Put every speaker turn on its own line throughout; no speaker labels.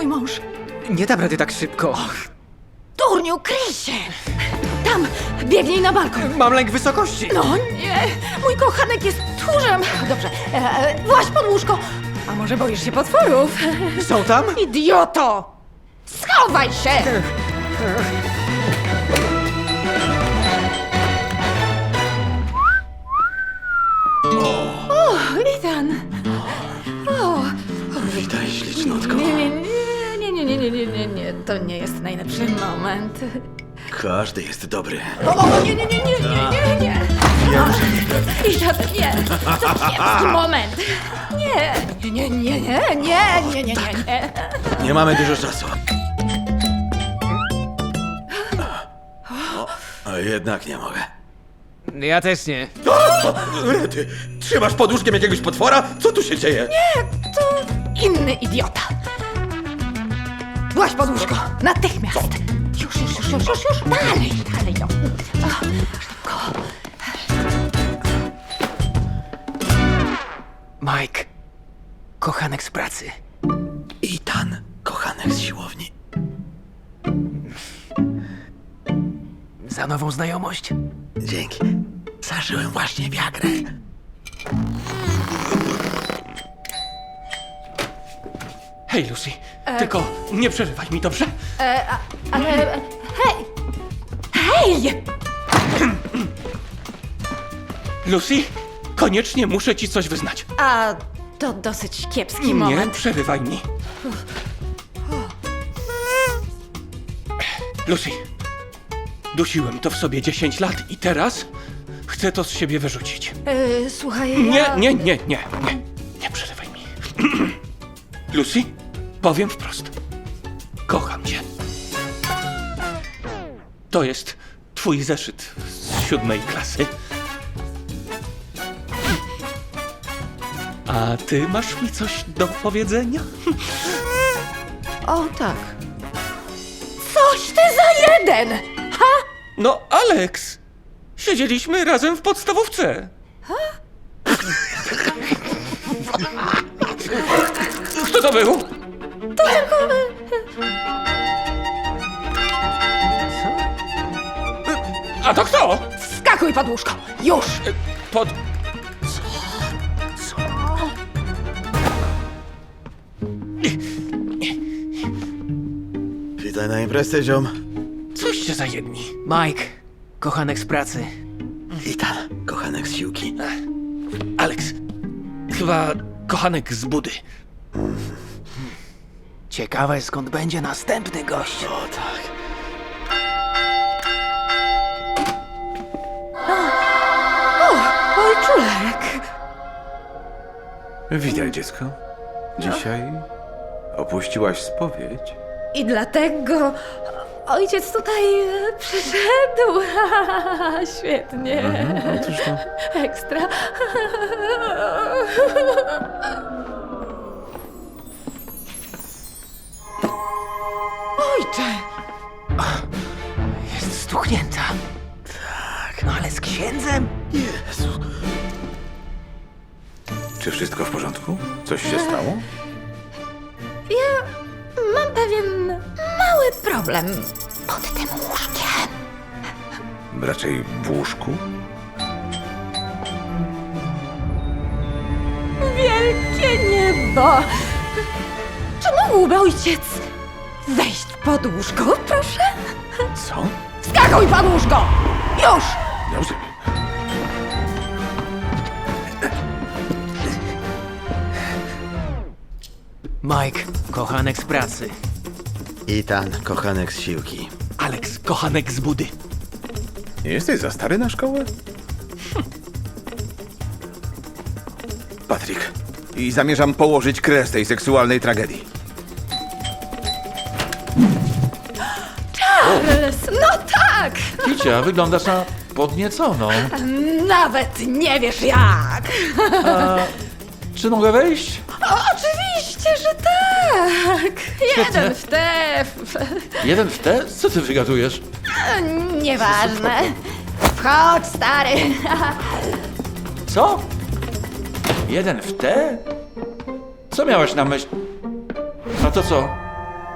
mąż.
Nie dam rady tak szybko.
Durniu, kryj się! Tam, biegnij na balkon.
Mam lęk wysokości.
No nie, mój kochanek jest tchórzem. Dobrze, właź pod łóżko. A może boisz się potworów?
Są tam?
Idioto! Schowaj się! O, Ethan! O,
Witaj, ślicznotko.
nie, to nie jest najlepszy moment.
Każdy jest dobry.
O, nie. Ethan, nie, to kiepski moment. Nie.
Nie mamy dużo czasu. A jednak nie mogę.
Ja też nie.
Rety, trzymasz pod łóżkiem jakiegoś potwora? Co tu się dzieje?
To inny idiota. Właź pod łóżko, natychmiast. Już. Dalej, no. O, szybko.
Mike, kochanek z pracy.
Ethan, kochanek z siłowni.
Za nową znajomość.
Dzięki. Zażyłem właśnie wiagrę.
Hej, Lucy, tylko nie przerywaj mi, dobrze?
Ale, hej!
Lucy, koniecznie muszę ci coś wyznać.
A to dosyć kiepski
Nie
moment.
przerywaj mi. Lucy, dusiłem to w sobie 10 lat i teraz chcę to z siebie wyrzucić.
Słuchaj,
Nie przerywaj mi. Lucy, powiem wprost. Kocham cię. To jest twój zeszyt z 7. klasy. A ty masz mi coś do powiedzenia?
O tak. Coś ty za jeden! Ha?
No, Alex! Siedzieliśmy razem w podstawówce. Kto to był? A to kto?
Skakuj pod łóżko! Już!
Pod...
Witaj na imprezie, ziom.
Coście za jedni.
Mike, kochanek z pracy.
Ethan, kochanek z siłki.
Alex. Chyba kochanek z budy.
Ciekawe, skąd będzie następny gość.
O tak.
Ojczulek!
Witaj, dziecko. Dzisiaj opuściłaś spowiedź.
I dlatego ojciec tutaj przyszedł. Świetnie.
Otóż to.
Ekstra. Ojcze!
Jest stuchnięta. Tak. No ale z księdzem?
Jezu.
Czy wszystko w porządku? Coś się stało?
Ja mam pewien mały problem pod tym łóżkiem.
Raczej w łóżku?
Wielkie niebo! Czy mógłby ojciec wejść pod łóżko, proszę?
Co?
Skakuj pod łóżko! Już!
Dobrze.
Mike, kochanek z pracy.
Ethan, kochanek z siłki.
Alex, kochanek z budy.
Nie jesteś za stary na szkołę? Patryk. I zamierzam położyć kres tej seksualnej tragedii.
Charles, no tak!
Kicia, wyglądasz na podnieconą.
Nawet nie wiesz jak!
Czy mogę wejść?
Oczywiście, że tak! Jeden w te...
Jeden w te? Co ty wygadujesz?
Nieważne. Wchodź, stary.
Co? Jeden w te? Co miałeś na myśli? A to co?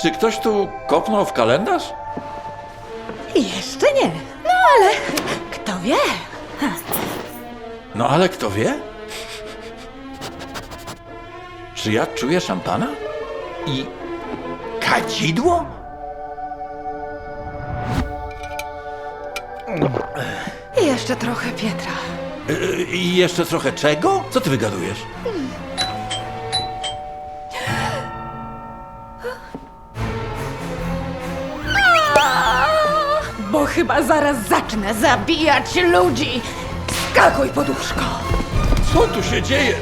Czy ktoś tu kopnął w kalendarz?
Jeszcze nie. No ale kto wie?
No ale kto wie? Czy ja czuję szampana? I kadzidło?
Jeszcze trochę Pietra.
I jeszcze trochę czego? Co ty wygadujesz?
Bo chyba zaraz zacznę zabijać ludzi. Skakuj pod łóżko.
Co tu się dzieje?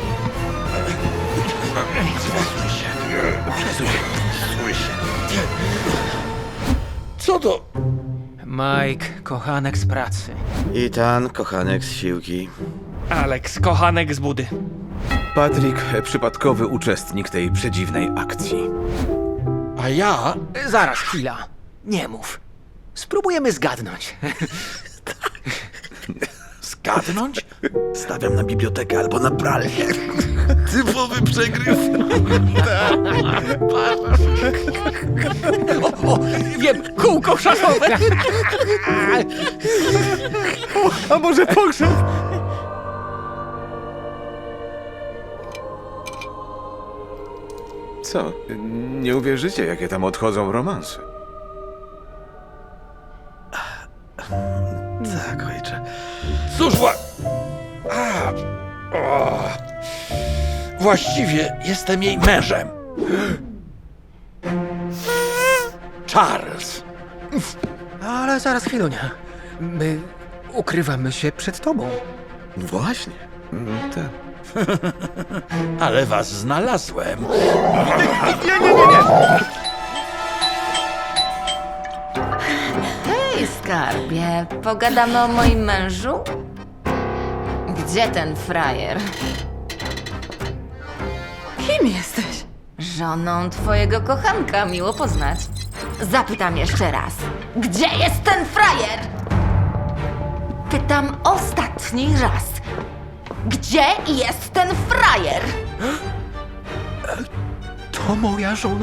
Co to?
Mike, kochanek z pracy.
Ethan, kochanek z siłki.
Alex, kochanek z budy.
Patrick, przypadkowy uczestnik tej przedziwnej akcji.
A ja?
Zaraz, chwila. Nie mów. Spróbujemy zgadnąć.
Zgadnąć?
Stawiam na bibliotekę albo na pralnię. Typowy przegryw.
Wiem, kółko szachowe.
A może pogrzeb? Co? Nie uwierzycie, jakie tam odchodzą romanse.
Tak, ojcze.
Cóż, właściwie jestem jej mężem. Charles.
Ale zaraz, chwilunia. My ukrywamy się przed tobą.
Właśnie.
Tak.
Ale was znalazłem.
Hej, skarbie, pogadamy o moim mężu? Gdzie ten frajer?
Kim jesteś?
Żoną twojego kochanka, miło poznać. Zapytam jeszcze raz. Gdzie jest ten frajer? Pytam ostatni raz. Gdzie jest ten frajer?
To moja żona.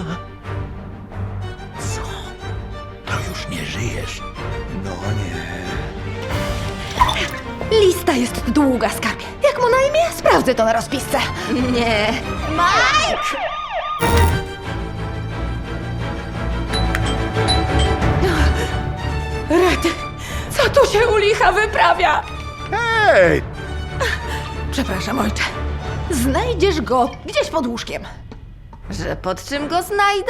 To już nie żyjesz.
No nie.
Lista jest długa, skarbie. Jak mu na imię? Sprawdzę to na rozpisce.
Nie. Mike!
Rety, co tu się u licha wyprawia?
Hej!
Przepraszam, ojcze. Znajdziesz go gdzieś pod łóżkiem.
Że pod czym go znajdę?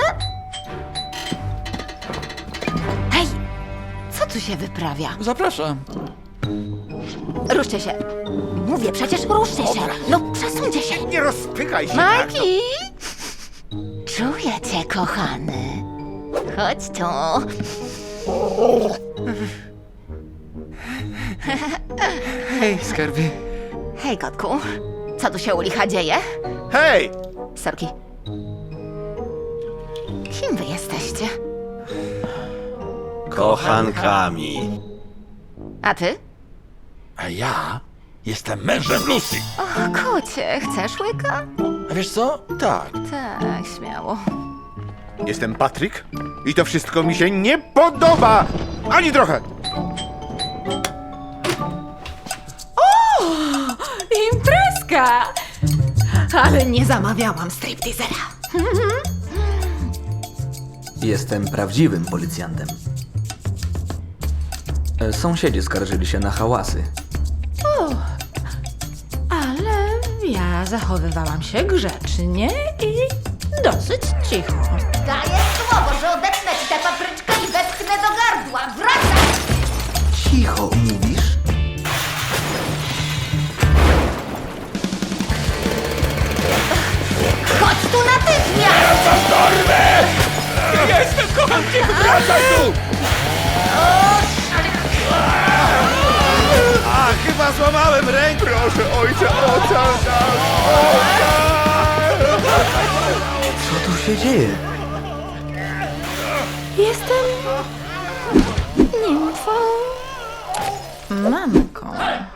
Hej! Co tu się wyprawia?
Zapraszam.
Ruszcie się. Mówię przecież, ruszcie się. No, przesuńcie się.
Nie rozpykaj się tak.
Majki! Czuję cię, kochany. Chodź tu.
Hej, skarbie.
Hej, kotku. Co tu się u licha dzieje?
Hej!
Sorki. Kim wy jesteście?
Kochankami.
A ty?
A ja jestem mężem Lucy.
O, kocie, chcesz łyka?
A wiesz co? Tak.
Tak, śmiało.
Jestem Patrick i to wszystko mi się nie podoba! Ani trochę!
Imprezka! Ale nie zamawiałam stripteasera.
Jestem prawdziwym policjantem. Sąsiedzi skarżyli się na hałasy.
Ale ja zachowywałam się grzecznie i dosyć cicho.
Daję słowo, że odetnę ci tę papryczkę i wepchnę do gardła. Wracaj!
Cicho, mówisz?
Chodź tu natychmiast!
Jestem kochankiem, wracaj tu!
A, chyba złamałem rękę.
Proszę, ojcze, ocal nas!
Co tu się dzieje?
Jestem nimfą. Mamką.